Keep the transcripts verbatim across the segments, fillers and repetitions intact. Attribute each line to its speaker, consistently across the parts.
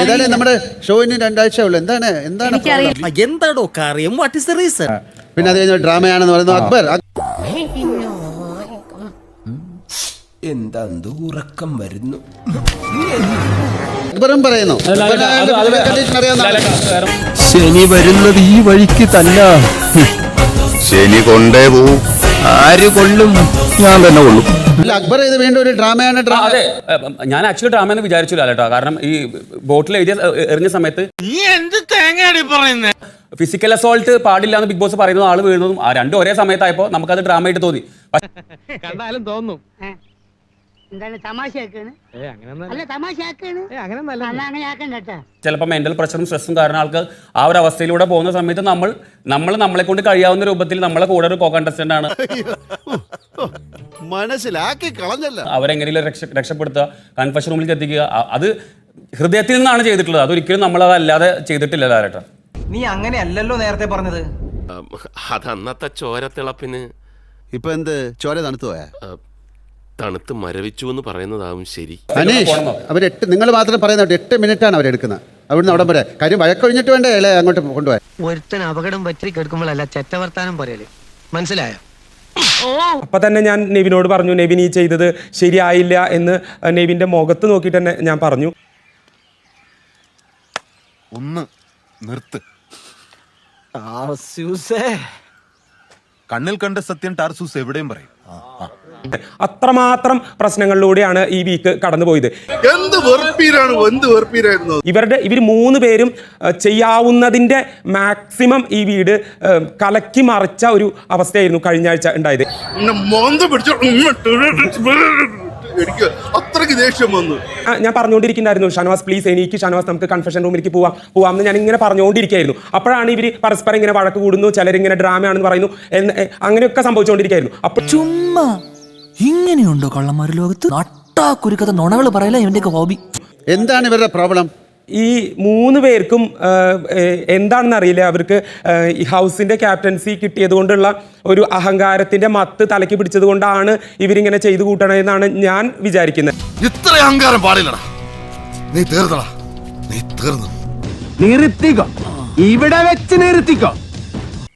Speaker 1: ഏതായാലും നമ്മുടെ ഷോയിന് രണ്ടാഴ്ച ഉള്ളു. എന്താണ് എന്താണ്
Speaker 2: എന്താണോ കാര്യം? What is the reason?
Speaker 1: പിന്നെ അത് കഴിഞ്ഞ ഡ്രാമയാണെന്ന് പറയുന്നു. അക്ബർ
Speaker 3: എന്താ ഉറക്കം വരുന്നു.
Speaker 1: അക്ബറും പറയുന്നു
Speaker 3: ശനി വരുന്നത് ഈ വഴിക്ക് തന്നെ.
Speaker 4: ശനി കൊണ്ടേ പോവും.
Speaker 3: ആര് കൊള്ളും? ഞാൻ തന്നെ കൊള്ളും.
Speaker 1: അക്ബർ ഇത് വീണ്ടും ഒരു ഡ്രാമയാണ്.
Speaker 5: അതെ, ഞാൻ ആക്ച്വലി ഡ്രാമ എന്ന് വിചാരിച്ചില്ല കേട്ടോ. കാരണം ഈ ബോട്ടിൽ എഴുതിയ എറിഞ്ഞ സമയത്ത് ഫിസിക്കൽ അസോൾട്ട് പാടില്ല എന്ന് ബിഗ് ബോസ് പറയുന്നത് ആള് വീഴുന്നതും ആ രണ്ടും ഒരേ സമയത്തായപ്പോ നമുക്കത് ഡ്രാമ ആയിട്ട് തോന്നി.
Speaker 6: കണ്ടാലും തോന്നും
Speaker 5: ചിലപ്പോൾ മെന്റൽ പ്രഷറും സ്ട്രെസ്സും കാരണം ആൾക്ക് ആ ഒരു അവസ്ഥയിലൂടെ പോകുന്ന സമയത്ത് നമ്മൾ നമ്മൾ നമ്മളെ കൊണ്ട് കഴിയാവുന്ന രൂപത്തിൽ നമ്മളെ കൂടെ ഒരു കോ കണ്ടസ്റ്റന്റ് ആണ്
Speaker 4: മനസ്സിലാക്കി കളഞ്ഞല്ല.
Speaker 5: അവരെങ്ങനെയും രക്ഷ രക്ഷപ്പെടുത്തുക, കൺഫഷൻ റൂമിലേക്ക് എത്തിക്കുക. അത് ഹൃദയത്തിൽ നിന്നാണ് ചെയ്തിട്ടുള്ളത്. അതൊരിക്കലും നമ്മൾ അതല്ലാതെ ചെയ്തിട്ടില്ല ലാലേട്ടാ.
Speaker 7: നീ അങ്ങനെയല്ലല്ലോ നേരത്തെ പറഞ്ഞത്.
Speaker 8: അതന്നത്തെ ചോരത്തിളപ്പിന്
Speaker 4: ഇപ്പൊ എന്ത് ചോര തണുത്തു പോയാ?
Speaker 8: തണുത്ത് മരവിച്ചു എന്ന് പറയുന്നതാവും ശരി.
Speaker 1: അനീഷ്, അവർ എട്ട് നിങ്ങൾ മാത്രം പറയുന്നത് എട്ട് മിനിറ്റ് ആണ് അവരെടുക്കുന്നത് അവിടുന്ന് അവിടം വരെ. കാര്യം വഴക്കൊഴിഞ്ഞിട്ട് വേണ്ടേ അല്ലേ അങ്ങോട്ട് കൊണ്ടുപോയി.
Speaker 6: ഒരുത്തൻ അപകടം പറ്റി കേൾക്കുമ്പോഴല്ല ചെറ്റവർത്താനം പറയല്, മനസ്സിലായോ?
Speaker 9: അപ്പൊ തന്നെ ഞാൻ നെവിനോട് പറഞ്ഞു, നെവിൻ ഈ ചെയ്തത് ശരിയായില്ല എന്ന് നെവിന്റെ മുഖത്ത് നോക്കിയിട്ട് തന്നെ ഞാൻ പറഞ്ഞു.
Speaker 4: ഒന്ന് നിർത്ത്.
Speaker 10: കണ്ണിൽ കണ്ട സത്യം ടാർസൂസ് എവിടെയും പറയും.
Speaker 9: അത്രമാത്രം പ്രശ്നങ്ങളിലൂടെയാണ് ഈ വീക്ക് കടന്നുപോയത്.
Speaker 4: എന്ത് വെറുപ്പീരാണ്, എന്ത് വെറുപ്പീരായിരുന്നു
Speaker 9: ഇവരുടെ ഇവർ മൂന്ന് പേരും ചെയ്യാവുന്നതിന്റെ മാക്സിമം ഈ വീട് കലക്കി മറിച്ച ഒരു അവസ്ഥയായിരുന്നു കഴിഞ്ഞ ആഴ്ച ഉണ്ടായത്.
Speaker 4: അത്രയ്ക്ക് ദേഷ്യം വന്നു.
Speaker 9: ഞാൻ പറഞ്ഞുകൊണ്ടിരിക്കുന്നുണ്ടായിരുന്നു, ഷാനവാസ് പ്ലീസ് എനിക്ക് ഷാനവാസ് നമുക്ക് കൺഫെഷൻ റൂമിലേക്ക് പോവാം പോവാം എന്ന് ഞാൻ ഇങ്ങനെ പറഞ്ഞുകൊണ്ടിരിക്കുകയായിരുന്നു. അപ്പോഴാണ് ഇവർ പരസ്പരം ഇങ്ങനെ വഴക്ക് കൂടുന്നു, ചിലരിങ്ങനെ ഡ്രാമയാണെന്ന് പറയുന്നു, അങ്ങനെയൊക്കെ സംഭവിച്ചുകൊണ്ടിരിക്കുകയായിരുന്നു. അപ്പോൾ
Speaker 2: ചുമ്മാ ഇങ്ങനെയുണ്ടോ കള്ളന്മാര് ലോകത്ത്? നട്ടാ കുരുക്കഥ നുണകൾ പറയല ഇവന്റെയൊക്കെ ഹോബി.
Speaker 1: എന്താണ് ഇവരുടെ പ്രോബ്ലം?
Speaker 9: ഈ മൂന്ന് പേർക്കും എന്താണെന്ന് അറിയില്ല, അവർക്ക് ഈ ഹൗസിന്റെ ക്യാപ്റ്റൻസി കിട്ടിയത് കൊണ്ടുള്ള ഒരു അഹങ്കാരത്തിന്റെ മത്ത് തലയ്ക്ക് പിടിച്ചത് കൊണ്ടാണ് ഇവരിങ്ങനെ ചെയ്തു കൂട്ടണമെന്നാണ് ഞാൻ വിചാരിക്കുന്നത്.
Speaker 4: ഇത്ര അഹങ്കാരം പാടില്ലടാ. നീ തീർന്നടാ, നീ തീർന്നു.
Speaker 3: നിർത്തിക്കോ, ഇവിടെ വെച്ച് നിർത്തിക്കോ.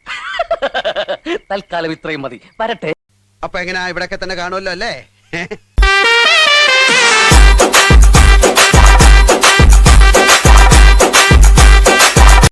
Speaker 2: തൽക്കാലം ഇത്രയും മതി, വരട്ടെ.
Speaker 1: അപ്പൊ എങ്ങനെയാ ഇവിടെയൊക്കെ തന്നെ കാണുമല്ലോ അല്ലേ?